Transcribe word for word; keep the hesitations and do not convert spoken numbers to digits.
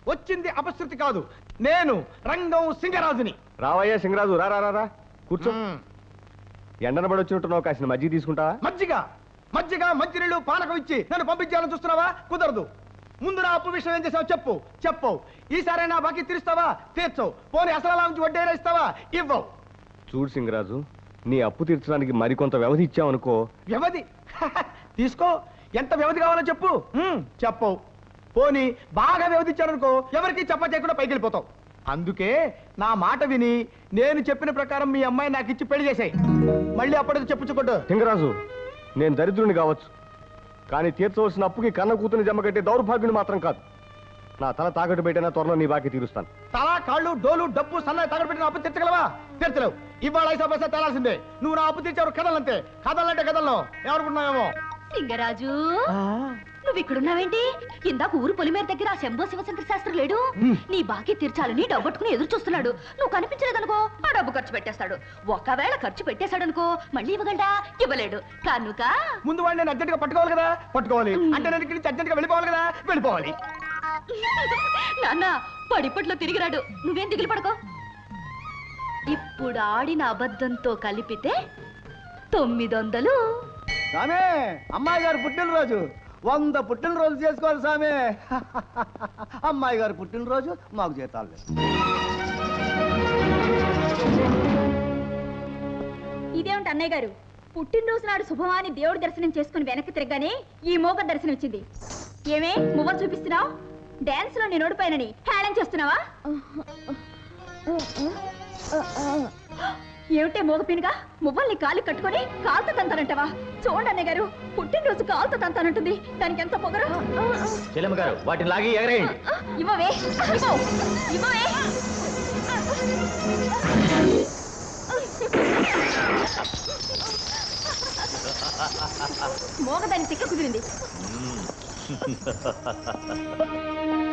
వచ్చింది అపశృతి కాదు, నేను రంగం సింగరాజుని. రావయ్యా సింగరాజు, రా రా రా కూర్చో. ఎండన పడి వచ్చినట్టున్నావు, కాసిన మజ్జిగ తీసుకుంటావా? మజ్జిగ మజ్జిగ మంచినీళ్ళు పానకం ఇచ్చి నన్ను పంపించాలని చూస్తున్నావా? కుదరదు. ముందు నా అప్పు విషయం ఏం చేసావు చెప్పు. చెప్పవు. ఈసారి నా బాకీ తీరుస్తావా? తీర్చవు. పోనీ అసలు నుంచి వడ్డీ ఇస్తావా? ఇవ్వవు. చూడు సింగరాజు, నీ అప్పు తీర్చడానికి మరికొంత వ్యవధి ఇచ్చావనుకో. వ్యవధి తీసుకో. ఎంత వ్యవధి కావాలో చెప్పు. చెప్పవు. పోనీ బాగా వ్యవధి ఇచ్చారనుకో, ఎవరికి చెప్ప చేయకుండా పైకి వెళ్ళిపోతావు. అందుకే నా మాట విని నేను చెప్పిన ప్రకారం మీ అమ్మాయి నాకు ఇచ్చి పెళ్లి చేసాయి. మళ్ళీ అప్పటికి చెప్పుచ్చుకోడు. సింగరాజు, నేను దరిద్రుని కావచ్చు, కానీ తీర్చవలసిన అప్పుకి కన్న కూతుని జమ కట్టే దౌర్భాగ్యుని మాత్రం కాదు. నా తల తాకట్టు పెట్టినా త్వరలో నీ బాకీ తీరుస్తాను. తల కాళ్ళు డోలు డబ్బు సన్నాయి తాకట్టు పెట్టిన అప్పు తీర్చగలవా? తీర్చలేవు. ఇవాళ ఐసా పైసా తేలాల్సిందే. నువ్వు నా అప్పు తీర్చావు. కథలంతే. కథలంటే కథల్లో ఎవరుకున్నావేమో. సింగరాజు, నువ్వు ఇక్కడున్నావేంటి? ఇందాక ఊరు పొలిమేర దగ్గర ఆ శంభో శివశంకర శాస్త్రి లేడు? నీ బాకీ తీర్చాలని డబ్బట్టుకుని ఎదురు చూస్తున్నాడు. నువ్వు కనిపించలేదనుకో, ఆ డబ్బు ఖర్చు పెట్టేస్తాడు. ఒకవేళ ఖర్చు పెట్టేశాడనుకో, మళ్ళీ ఇవ్వగలడా? ఇవ్వలేడు కనుక ముందు వాడిని నేను అర్జెంట్ గా పట్టుకోవాలి కదా. పట్టుకోవాలి అంటే నేను ఇక్కడి నుంచి అర్జెంట్ గా వెళ్ళిపోవాలి కదా. వెళ్ళిపోవాలి. నాన్న పడిపట్లో తిరిగిరాడు. నువ్వేం దిగులు పడుకో. ఇప్పుడు ఆడిన అబద్ధంతో కలిపితే తొమ్మిది వందలు. సామే, అమ్మాయి గారు పుట్టినరోజు. వంద పుట్టినరోజు చేసుకోవాలి సామే. అమ్మాయి గారు పుట్టినరోజు, మాకు జీతాలు లేదు. ఇదేమిటి అన్నయ్య గారు, పుట్టినరోజు నాడు శుభమాని దేవుడి దర్శనం చేసుకుని వెనక్కి తిరగగానే ఈ మోగ దర్శనం ఇచ్చింది. ఏమే మువ్వలు చూపిస్తున్నావు? డాన్స్ లో నేను ఓడిపోయానని హేళన చేస్తున్నావా? ఏమిటే మోగపినగా మువ్వల్ని కాలి కట్టుకొని కాలుతో తంతానంటావా? చూడండి అన్నయ్య గారు, పుట్టినరోజు కాలుతో తంతానంటుంది. దానికి ఎంత పొగరు. చెల్లెమ్మ గారు, వాటిని లాగి ఎగరేయండి. ఇవ్వవే, ఇవ్వవు, ఇవ్వవే. మోగదాని తిక్క కుదిరింది.